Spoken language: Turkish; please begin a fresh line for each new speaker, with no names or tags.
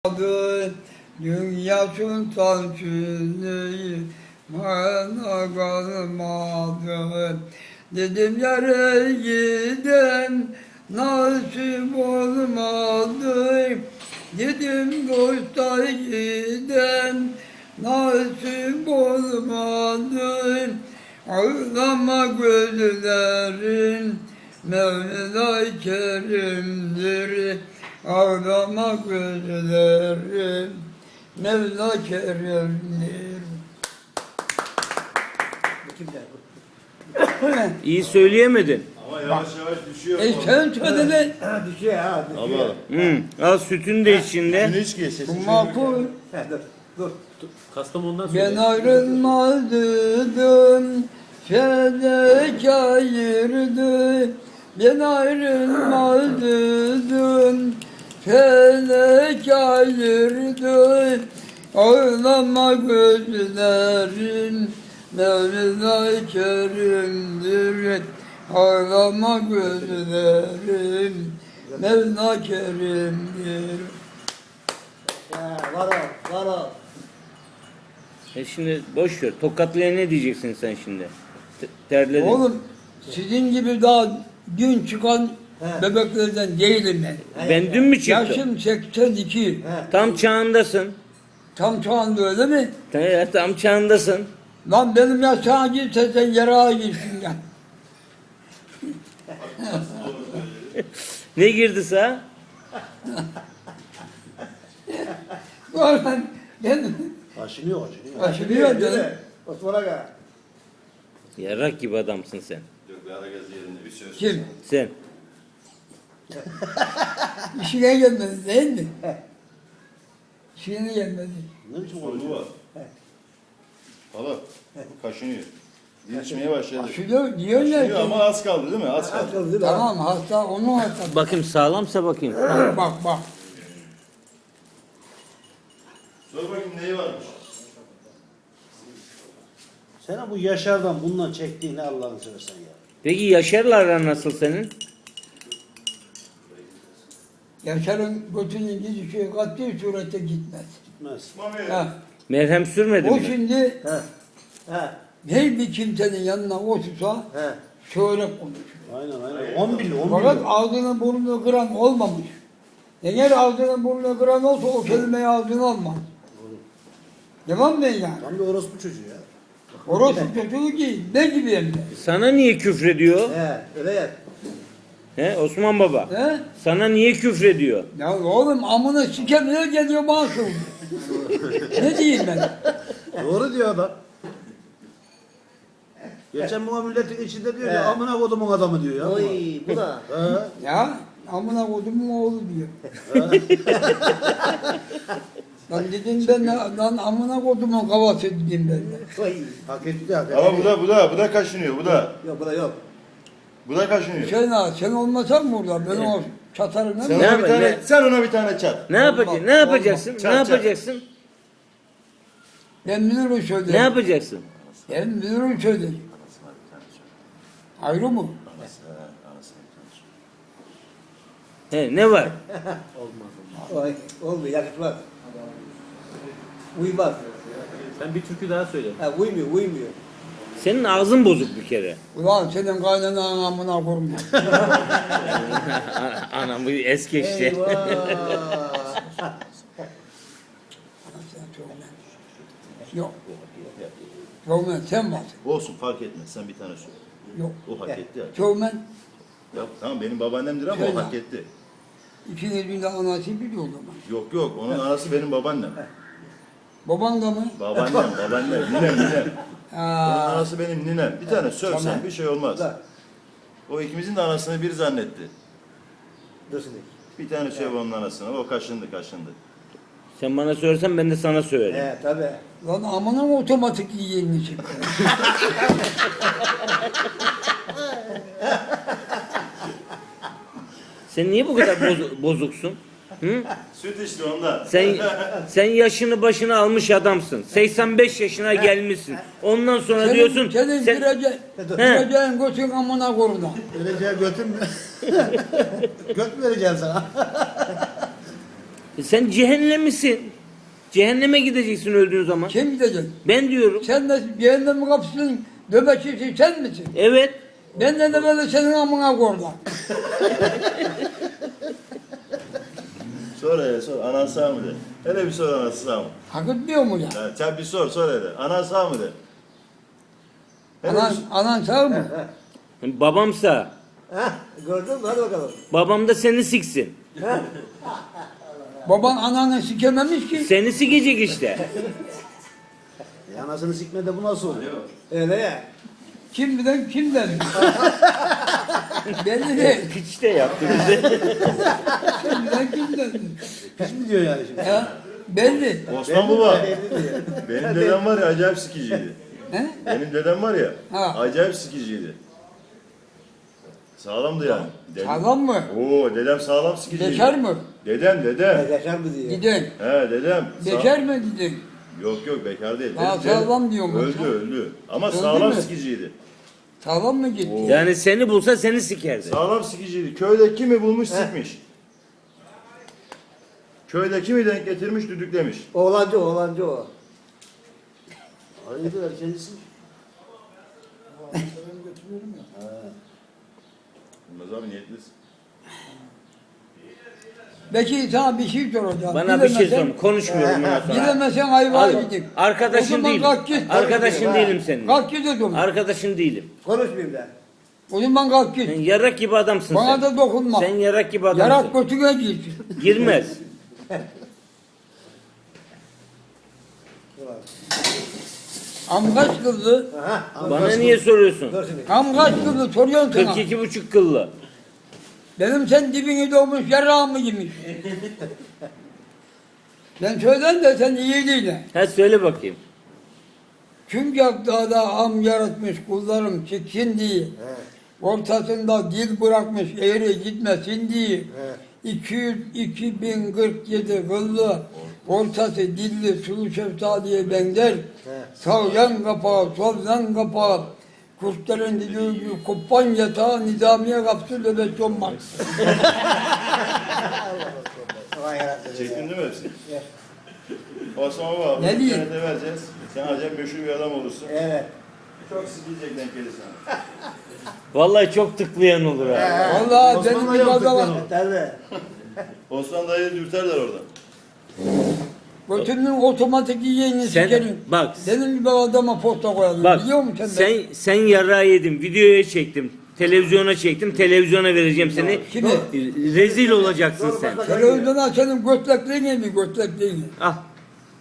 Adı dünya sultan Süleyman'a kalmadı. Dedim yere giden nasip olmadı. Dedim dosta giden nasip olmadı. Ağlama gözlerin Mevla Kerim'dir. Ağlama gözlerim Mevla Kerim'dir.
İyi söyleyemedin.
Ama yavaş yavaş düşüyor.
Sen söyle be.
Düşüyor ha. Düşüyor.
Al sütün de içinde.
Şunu hiç geç.
Bu makul.
Dur.
Kastamonu'dan söyle.
Ben ayrılmadım. Felek ayırdı. Ben ayrılmadım. Felek ayırdı. Ağlama gözlerin Mevla Kerim'dir. Ağlama gözlerin Mevla Kerim'dir.
Var ol. Var ol.
Şimdi boş ver. Tokatlı'ya ne diyeceksin sen şimdi? Terledin.
Oğlum sizin gibi daha dün çıkan bebeklerden değilim ben.
Ben dün mü çıktım?
Yaşım 82.
Tam çağındasın.
Tam şu anda öyle mi?
Tam çağındasın.
Lan benim yaşağa girse sen yarağa girsin ya.
Ne girdi sağ?
Ulan ben
Aşınıyor.
aşılıyor canım.
Osman Aga.
Yarrak gibi adamsın sen.
Yok bir ara gaz yerinde bir söz.
Kim?
Sen.
İşine gelmedi değil mi? İşine gelmedi.
Ne biçim
Sorgu
konuşuyor?
var. Hala kaşınıyor. Geçmeye başladı.
Aşılıyor. Niye öyle?
Kaşınıyor ama az kaldı değil mi? Az kaldı.
Akıl değil mi?
Tamam hasta onun hastası.
Bakayım sağlamsa bakayım.
Bak.
Sor bakayım neyi varmış?
Sen bu Yaşar'dan bundan çektiğini Allah'ını seversen ya.
Peki Yaşar'la aran nasıl senin?
Yaşar'ın götünün gidişi katli surette gitmez.
Gitmez.
Mami.
Ha.
Merhem sürmedin
O
mi?
şimdi
He.
her bir kimsenin yanına otursa
He.
şöyle konuşur.
Aynen. 10 milyon.
Fakat ağzını burnunu kıran olmamış. Eğer ağzını burnunu kıran olsa o kelimeyi ağzına almaz. Tamam ben yani?
Tam bir orospu çocuğu ya.
Orası çocuğu ki ne gibi hem de.
Sana niye küfrediyor?
Öyle ya.
He Osman Baba.
He?
Sana niye küfrediyor?
Ya oğlum amına sikemeye geliyor bana söylüyor. Ne diyeyim ben?
Doğru diyor adam. Geçen bu milletin içinde diyor ya amına kodumun adamı diyor ya.
Oy bu da.
Ya amına kodumun oğlu diyor. Lan dedim ben lan amına kodumun kavası dedim ben de.
Oy.
Hak etti hak etti.
Ama bu da kaşınıyor bu da.
Yok bu da yok.
Bu da kaşınıyor.
Sen olmasan burada ben o çatarım
Sen
ne?
Ne
ona bir
yapayım,
tane, sen ona bir tane çat.
Ne yapacaksın? Ne yapacaksın?
Çat,
Ne
çat.
yapacaksın?
Ben bilirim söylerim.
Ne yapacaksın?
Ben bilirim söylerim. Ayrı mı?
He ne var?
Oy, olmuyor yakışmaz. Uymaz.
Sen bir türkü daha söyle.
Uymuyor.
Senin ağzın bozuk bir kere.
Ulan senin kaynanan amına kurma.
Anam bu es geçti.
Eyvah.
Yok. Çövmen sen varsın.
Olsun fark etmez sen bir tane söyle.
Yok.
O hak etti ya.
Çövmen
Ya tamam benim babaannemdir ama
Söyle.
o hak etti.
İkinizin de anası biliyor o zaman.
Yok onun anası benim babaannem.
Baban da mı?
Babaannem, ninem. Onun
Aa,
anası benim ninem. Bir tane sövsen
Tamam.
bir şey olmaz. O ikimizin de anasını bir zannetti.
Dursun.
Bir tane söv onun anasına. O kaşındı.
Sen bana söylersen ben de sana söylerim.
Tabii.
lan amına mı otomatik yiyenini çıktı?
Sen niye bu kadar bozuksun? Hı?
Süt içti ondan.
Sen yaşını başına almış adamsın. 85 yaşına gelmişsin. Ondan sonra diyorsun
Senin
sen
gireceğin götün amına kuruna.
Vereceğin götün mü? Göt mü vereceksin sana?
Sen cehennemlisin. Cehenneme gideceksin öldüğün zaman.
Kim gidecek?
Ben diyorum.
Sen de cehennemin kapısının nöbetçisi sen misin?
Evet.
Ben de böyle senin amına koyarlar.
Sor hele sor. Anan sağ mı de. Hele bir sor anası sağ mı?
Hak etmiyor mu ya?
Ya, sen bir sor hele. Anan sağ mı de. Hele
Anan, anan sağ mı?
Babamsa.
Heh, gördün mü? Hadi bakalım.
Babam da seni siksin.
Baban ananı sikememiş ki.
Seni sikecek işte.
Anasını sikmede bu nasıl oluyor?
Öyle ya.
Kim bilen kim der? Belli değil.
Piç de yaptı bize.
Kim bilen kim der?
Hiç mi diyor yani şimdi?
Ya belli.
Osman Baba.
Belli diyor.
Benim dedem var ya acayip sikiciydi.
He?
Benim dedem var ya
Ha.
acayip sikiciydi. Sağlamdı yani.
Sağlam mı?
Oo dedem sağlam sikiciydi.
Bekar mı?
Dedem dedem.
Yaşar mı diyor.
Giden.
He dedem.
Bekar mı giden?
Yok yok bekar değil.
Aa,
Dedem-
sağlam diyorum ben
Öldü
sana.
öldü. Ama
Öldü
sağlam
mü?
sikiciydi.
Sağlam mı gitti?
Oo.
Yani seni bulsa seni sikerdi.
Sağlam sikiciydi. Köyde kimi bulmuş sikmiş. Köyde kimi denk getirmiş düdüklemiş.
Oğlancı o.
Hayırdır erkencisin?
Bilmez abi niyetlisin.
Belki sana bir şey soracağım.
Bana bir şey sorma. Konuşmuyorum bundan sonra.
Bilemesen ayvaya
Al,
gidin. O
arkadaşın
zaman
değilim.
kalk git.
Arkadaşın değilim senin.
Kalk git o zaman.
Arkadaşın değilim.
Konuşmayayım ben.
O zaman kalk
Sen
git.
yarak gibi adamsın
Bana
sen.
da dokunma.
Sen yarak gibi adamsın.
Yarak götüne git.
Girmez.
Am kaç kıldı?
Aha.
Bana niye soruyorsun?
Dur şimdi.
Am kaç kıldı soruyorum sana.
42,5 kıllı.
Benim sen dibini doğmuş yarağımı yemiş. Ben söylen de sen iyi değil.
Ha söyle bakayım.
Kim dağda am yaratmış kullarım çıksın diye. Ortasında dil bırakmış eğri gitmesin diye. 2047 kıllı ortası dilli sulu şeftaliye benzer. Sağ kapağı, sol yan kapağı. Kurtların dili gibi kopan yatağı nizamiye kapsül nöbet olmaz.
Vay yarabbim.
Çektin değil mi hepsini? Osman Baba
Ne
bunu
diyeyim?
internete vereceğiz. Sen acayip meşhur bir adam olursun.
Evet.
Çok sikilecek denk gelir sana.
Vallahi çok tıklayan olur ha.
Vallahi
Osman
benim
da
bir
yaptık
adama
lan.
Tabii.
Osman dayıyı dürterler oradan.
götünün otomatik yiyeni
Sen
sikerim.
bak
Benim gibi adama posta koyalım.
bak
Biliyor musun sen?
sen yarağı yedin. Videoya çektim. Televizyona çektim. Televizyona vereceğim seni.
Kimi?
Rezil olacaksın sen.
Televizyona senin götlekliğin mi götlekliğin?
Al.